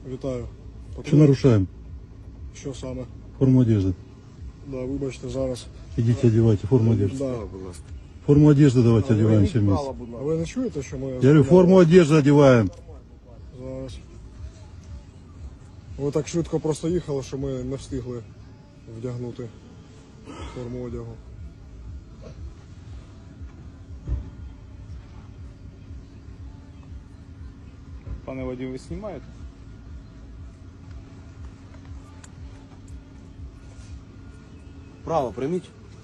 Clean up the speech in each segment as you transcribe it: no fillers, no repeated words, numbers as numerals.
Вітаю. Що нарушаем? Що саме? Форму одежды. Да, вибачте, зараз. Идите одевайте форму одежды. Да. Форму одежды давайте одеваемся вместе. А ви не чуєте, що ми... Я говорю, форму одежды одеваем. Зараз. Ви так швидко просто їхали, що ми не встигли вдягнути форму одягу. Пане водій, ви знімаєте? Право прийміть.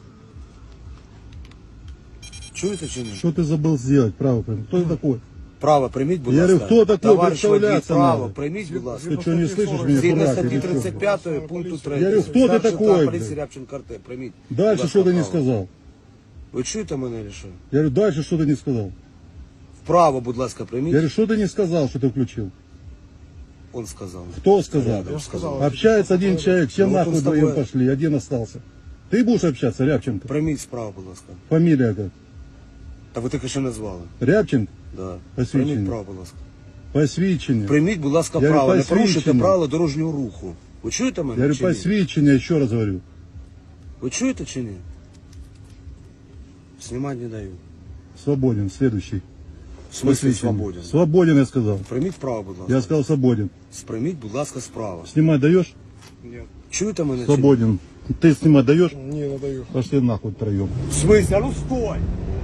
Чуєте чи ні? Что ты забыл сделать, право прям? Кто ты такой? Право прийміть, будь Я ласка. говорю, хто такий? Товариш водій, Представляться право надо. прийміть, будь ласка. Ты что, не слышишь меня? Згідно Дурак, статті или что? 35 пункту 3. Я говорю, хто ти Старший такой, лейтенант блядь? поліції Рябченко РТ, прийміть. Дальше Будь что ласка, ты не право. сказал? Ви чуєте мене чи що? Я говорю, дальше что ты не сказал? Вправо, будь ласка, Я прийміть. говорю, что ты не сказал, что ты включил? Он сказав. Кто сказал? Я сказал. Общается один человек, все Ну, вот он нахуй с тобой. вдвоем пошли, один остался. Ты будешь общаться, Рябченко? Прийміть справа, будь ласка. Фамилия как? Та ви тільки що назвали. Рябченко? Да. Посвідчення. Прийміть право, будь ласка. Посвідчення. Прийміть, будь ласка, Я право. говорю, Не порушуйте посвідчення. правила дорожнього руху. Ви чуєте Я мене говорю, чи ні? посвідчення, еще раз говорю. Ви чуєте чи ні? Знімати не даю. Свободен, следующий. В смислі Посвідчення. свободен? Свободен, я сказал. Прийміть право, будь ласка. Я сказал свободен. Сприйміть, будь ласка, справа. Снимать даешь? Ні. Чуєте мене? Свободен. Ты снимать даешь? Ні, не даю. Пошли нахуй втроем. Чи ні? В смысле? А ну стой!